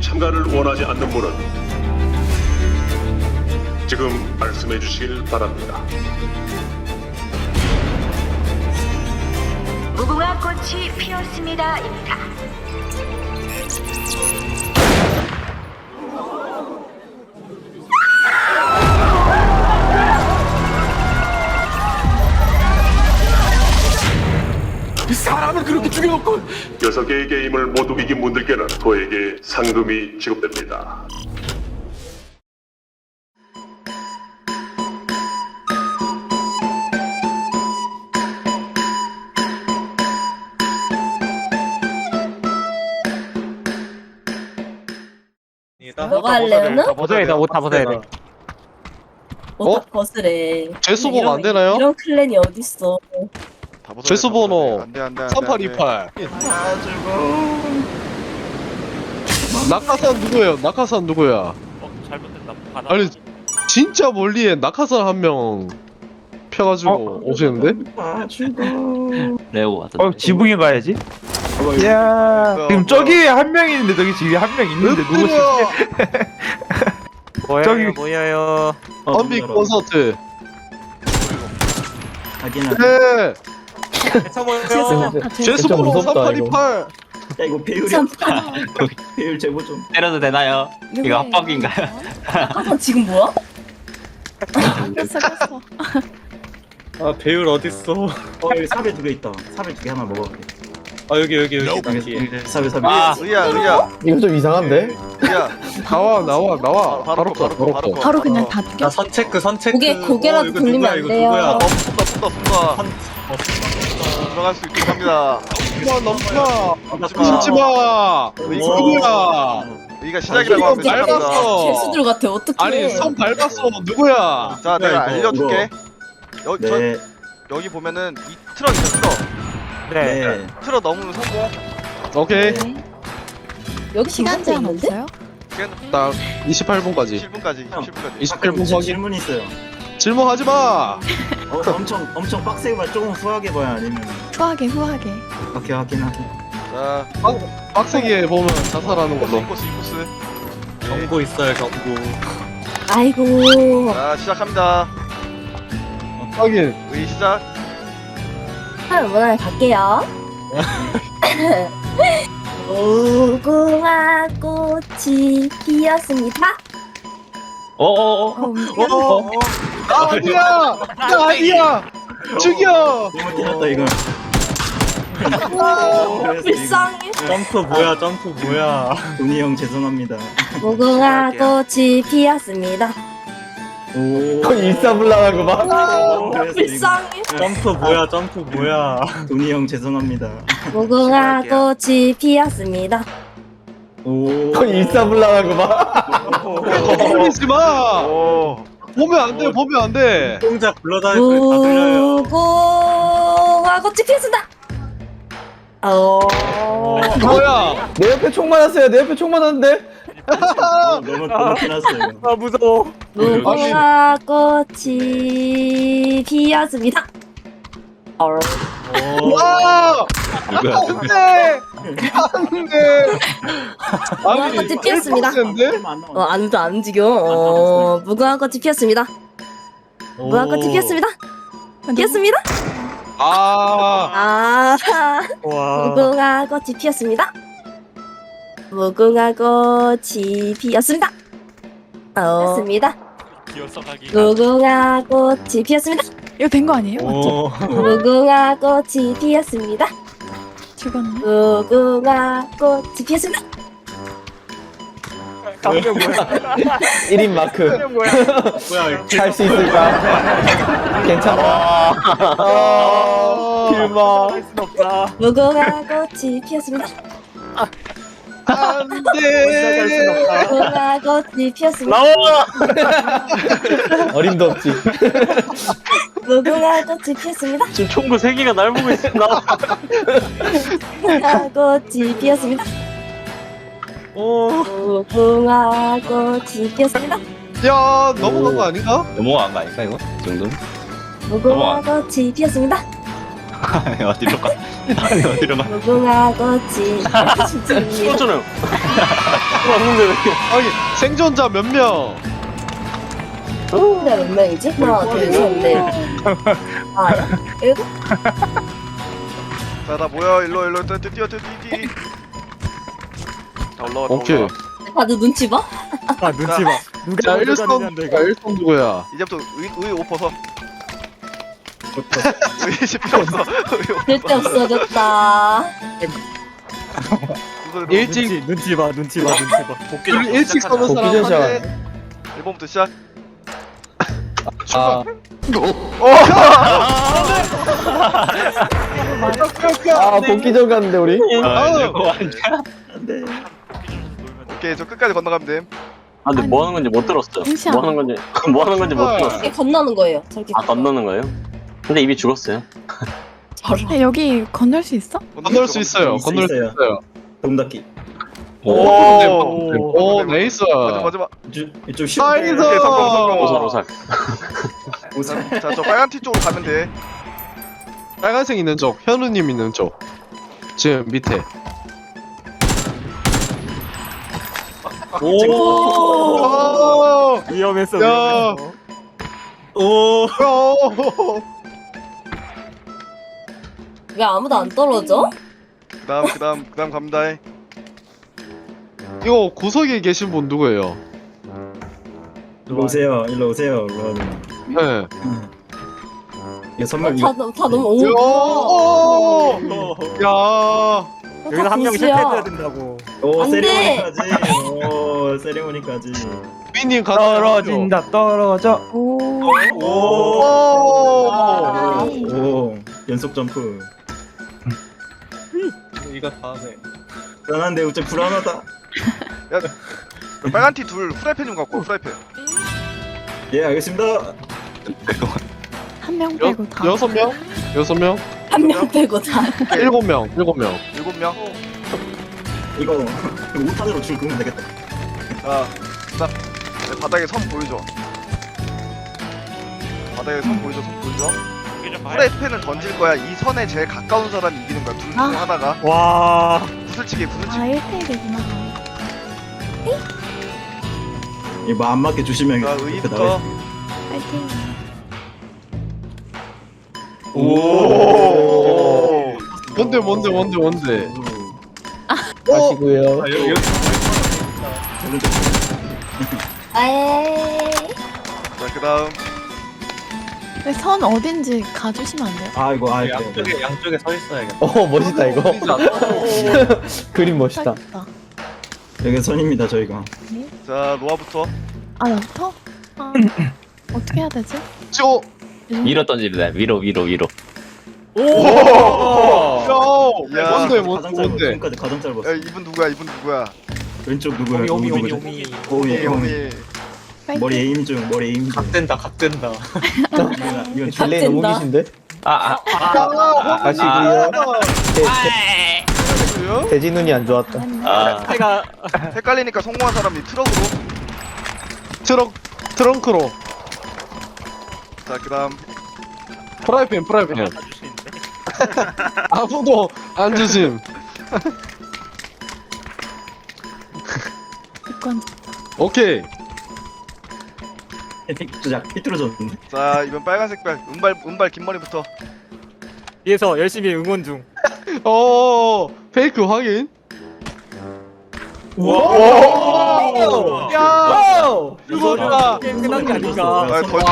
참가를 원하지 않는 분은 지금 말씀해 주시길 바랍니다. 무궁화 꽃이 피었습니다입니다. 사람을 그렇게 죽여놓고 6개의 게임을 모두 이긴 분들께는 그에게 상금이 지급됩니다. 너가 할래요는? 벗어야 돼, 옷 다 벗어야 돼. 옷다 벗으래. 죄수복 안 되나요? 이런 클랜이 어딨어. 죄수 번호 안돼 3828. 낙하산 누구예요? 낙하산 누구야? 잘못됐다. 아니 진짜 멀리에 낙하산 한 명 펴가지고 오시는데? 레오 왔다. 지붕에 가야지. 야 지금 저기 한 명 있는데 저기 지금 한 명 있는데 누구지? 모여요, 저기- 모여요. 언비 콘서트. 하기는 네. 해서 모여요. 죄수 번호 3828. 야 이거 배율이 참, 배율 제보 좀. 때려도 되나요? 이거 합법인가요? 아까 지금 뭐야? 아 배율 어딨어? 여기 사배 2개 있다. 사배 2개 하나 먹어볼게. 아 여기 뒤에. 사배 아, 의야 이거 좀 이상한데? 의야 나와. 바로 바로 그냥 다 야 선체크 고개라도 돌리면 안 돼요. 쏜다 들어갈 수 있게 합니다. 넘쳐. 넘치마 숨지마. 누구야? 여기가 시작이라고 하면 밟았어. 시작합니다. 죄수들 같아. 어떡해. 아니 손 밟았어. 누구야? 자 내가 이거, 알려줄게. 네. 여기 보면은 이 트럭 있어 네. 트럭 넘으면 성공. 오케이. 여기 시간 제한 없는데? 딱 28분까지. 7분까지 27분까지 27분 저 확인. 질문 있어요. 질문하지 마. 엄청 빡세게 봐야 조금 후하게 봐야 아니면 후하게 오케이 하긴. 자 빡세게 보면 자살하는 걸로. 인코스 경고 있어요 경고. 아이고. 자 시작합니다. 확인. 의 시작. 문화에 갈게요. 무궁화 꽃이 피었습니다. 나 아니야. 나 아니야. 죽여. 잘못해놨다 이거. 불쌍해. 점프 뭐야? 돈이 형 죄송합니다. 무궁화 꽃이 피었습니다. 오. 일사불란한 거 봐. 불쌍해. 점프 뭐야? 돈이 형 죄송합니다. 무궁화 꽃이 피었습니다. 오. 일사불란한 거 봐. 걸리지 마. 오. 보면 안 돼. 보면 안 돼. 동작 불러다닐 소리 다 들려요. 무궁화 꽃이 피었습니다. 뭐야? 내 옆에 총 맞았어요. 내 옆에 총 맞았는데. 너무 티났어 이거. 아 무서워. 무궁화 꽃이 피었습니다. 와! 안 돼! 안 돼! 무궁화 꽃이 피었습니다. 아무도 안 움직여. 무궁화 꽃이 피었습니다. 무궁화 꽃이 피었습니다. 피었습니다. 아, 와. 무궁화 꽃이 피었습니다. 무궁화 꽃이 피었습니다. 피었습니다. 무궁화 꽃이 피었습니다. 이거 된 거 아니에요? 오. 무궁화 꽃이 피었습니다. 죽었네. 무궁화 꽃이 피었습니다. 감정 뭐야? 1인 마크. 뭐야? 할 수 있을까? 괜찮아. 필마. 할순 없다. 무궁화 꽃이 피었습니다. 안 시작할 순 돼! 없다. 무궁화 꽃이 피었습니다. 나와. 어림도 없지. 무궁화 꽃이 피었습니다. 지금 총구 3개가 날 보고 있어. 무궁화 꽃이 피었습니다. 무궁화 꽃이 피었습니다. 야, 넘어간 거 아닌가? 넘어간 거 아닐까, 이거? 이 정도? 무궁화 꽃이 피었습니다. 아니, 어디로 가? 아니, 어디로 가? 무궁화 꽃이 피었습니다. 쏘잖아요. 왔는데 왜 이렇게. 아니 생존자 몇 명? 근데 몇 명이지? 하나, 둘, 셋, 넷. 아, 일곱? 자, 나 모여. 일로 뛰어. 자, 올라와. 오케이. 다들 눈치 봐? 아, 눈치 봐. 자 1선 누구야? 이제부터 의옷 벗어. 의식 필요 없어. 의의 옷 절대 없어졌다. 벗어. 일찍 눈치 봐. 복귀 우리 일찍 서는 복귀 사람 전시회. 한테 1번부터 시작. 아, 아 복귀전 갔는데 우리. 오케이, 저 끝까지 건너가면 됨. 아, 근데 뭐 하는 건지 못 들었어요. 잠시만. 뭐 하는 건지 못 들었어요. 이게 건너는 거예요. 저렇게. 아, 건너는 거예요? 근데 이미 죽었어요. 야, 여기 건널 수 있어? 건널 수 있어요. 건널 수 있어요. 동닫기. 오 네이스. 마지막. 좀 쉬운 나이스. 오케이, 성공. 오살. 자, 저 빨간 티 쪽으로 가면 돼. 빨간색 있는 쪽, 현우님 있는 쪽. 지금 밑에. 오. 위험했어. 야. 오. 왜 아무도 안 떨어져? 그다음 갑니다. 이거 구석에 계신 분 누구예요? 일로 오세요. 일로 오세요. 네. 이거 선물 다 너무 오. 야. 여기서 한 명 실패해야 된다고. 오 안 돼. 세리머니까지. 오 세리머니까지. 삐님 떨어져. 오. 오 연속 점프. 이거 다음에. 불안한데 어째 불안하다. 빨간 티 둘 후라이팬 좀 갖고 와, 후라이팬. 예 알겠습니다. 한 명 빼고 다. 6명? 6명? 한 명 빼고 다. 7명. 7명. 7명. 이거 5탄으로 줄 끄면 되겠다. 자, 내 바닥에 선 보이죠? 바닥에 선 보이죠? 후라이팬을 던질 거야. 이 선에 제일 가까운 사람이 이기는 거야. 둘 중에 하나가. 와. 부슬치기. 아, 1대1이구나. 이거 안 맞게 조심해. 자, 의부터. 파이팅. 오. 뭔데? 하시고요. 에이. 자, 그다음. 근데 선 어딘지 가주시면 안 돼요? 아 이거 아 양쪽에 서 있어야겠다. 멋있다 이거. 그림 멋있다. 있다. 여기 선입니다 저희가. 자, 노아부터. 아, 나부터? 아, 어떻게 해야 되지? 위로 던지래. 위로. 야. 야. 가장 짧아. 지금까지 가장 짧았어. 야, 이분 누구야? 왼쪽 누구야? 오미 누구죠? 오미. 오미. 파이팅. 머리 에임 중. 각된다. 이건 딜레이 너무 된다. 기신데? 아. 하시고요. 돼지 눈이 안 좋았다. 아. 해가. 헷갈리니까 성공한 사람이 트럭으로. 트렁크로. 자, 그다음. 프라이팬. 아무도 안 주심. 이건 오케이. 삐뚤어졌는데. 자, 이번 빨간색 발. 은발 긴 머리부터. 뒤에서 열심히 응원 중. 페이크 확인. 야. 이거다. 게임 끝난 게 아닌가. 아, 더.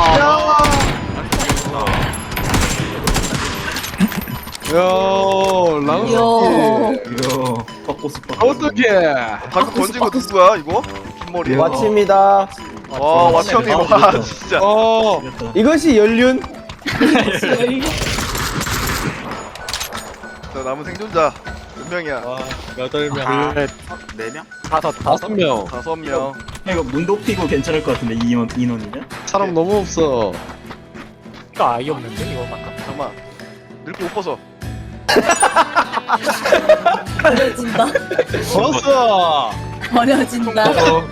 야, 랑스. 이거 벚꽃 어떻게? 방금 던진 거 누구야, 이거? 긴 머리. 마칩니다. 와, 와치 형님. 와, 진짜. 이것이 연륜. 자, 남은 생존자 몇 명이야? 8명. 넷. 4명? 5명. 5명. 이거 문 높이고 괜찮을 것 같은데 인원이냐? 사람 너무 없어. 이거 아예 없는데 이거 아까. 잠깐만. 늙고 옷 벗어. 버려진다. 벗어. 버려진다.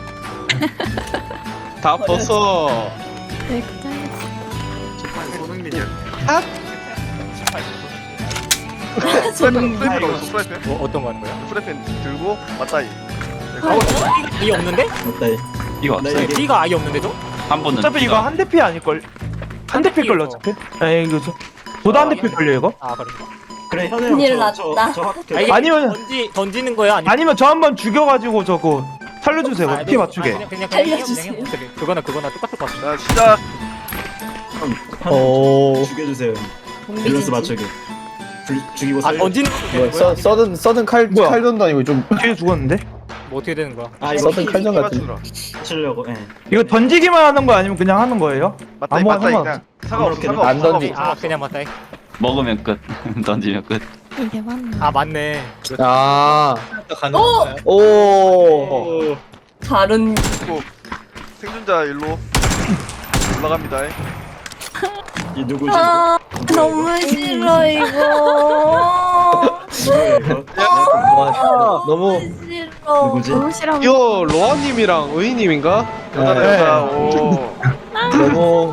다 벗어. 네, 그냥 프라이팬 넣었어 프라이팬. 뭐 어떤 거 하는 거야? 프라이팬 들고 맞다이. B가 없는데? 맞다. 이거 나 없어요. 이게 B가 아예 없는데도? 한 번은 어차피 이거 한 대피 아닐걸? 한 대피 걸려 어차피? 에이 이거 보다 한 대피 걸려 이거? 아 그런가? 그래 현우 큰일 형, 났다. 저 학교. 아, 이게 아니면- 던지는 거야? 아니면 저 한 번 죽여가지고 저거 살려주세요 피 맞추게. 그냥 살려주세요. 그거나 똑같을 것 같은데. 자 시작. 오. 죽여주세요. 밸런스 맞추기. 죽이고 아 살려. 던지는 것도 되는 뭐야 거야? 서든 뭐야? 칼전도 아니고 좀 뒤에 죽었는데? 뭐 어떻게 되는 거야? 아 이거 서든 칼전 같은. 맞추려고. 예. 이거 던지기만 하는 거 아니면 그냥 하는 거예요? 맞다이 아무거나 맞다이 상관없어. 그냥 상관없어 상관없어. 안 던지. 아 그냥 맞다. 먹으면 끝. 던지면 끝. 이게 맞나? 아 맞네. 아. 오! 오. 다른 생존자 일로 올라갑니다. 이 누구지? 아 너무 싫어 이거. 누구야 이거? 와, 너무 싫어. 누구지? 너무 싫어. 이거 로아님이랑 의희님인가? 여자다 네. 여자. 오. 너무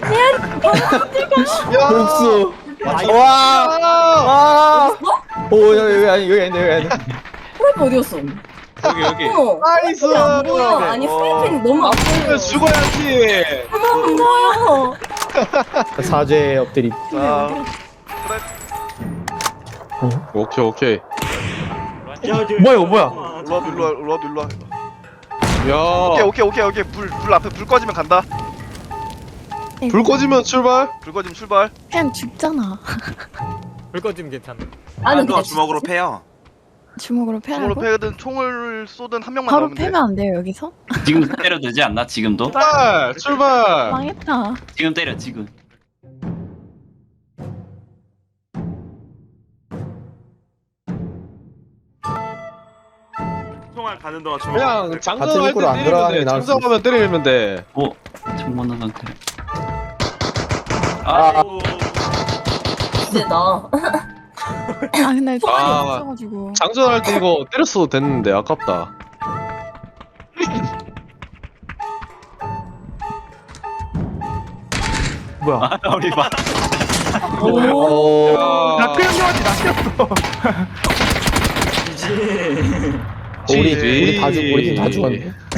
복수. 아, 와. 와. 오 여기 아니. 프라이팬 어디였어? 여기. 어머. 나이스. 안 보여. 아니 프라이팬이 너무 안 보여. 죽어야지. 안 보여. 사죄 엎드림. 자 오케이. 뭐야, 이거 뭐야? 일로 와. 야. 오케이. 불 앞에 불 꺼지면 간다. 불 꺼지면 출발. 불 꺼지면 출발. 그냥 죽잖아. 불 꺼지면 괜찮아. 나는 그냥 주먹으로 패요. 주먹으로 총으로 패라고? 패든 총을 쏘든 한 명만 바로 나오면 돼. 패면 안 돼요 여기서? 지금 때려도 되지 않나? 지금도? 출발. 망했다. 지금 때려 지금. 총알 가는 동안 주먹. 그냥 같은 장전할 입구로 안 때 들어가는 때리면 게 돼. 나을 수 장전하면 때리면 돼. 오, 정모는 상태. 아. 이제 나. 아 근데 총알이 아. 없어가지고. 장전할 때 이거 때렸어도 됐는데 아깝다. 뭐야? 우리 봐. 오. 나크 형님한테 낚였어. 우리 다 죽었네.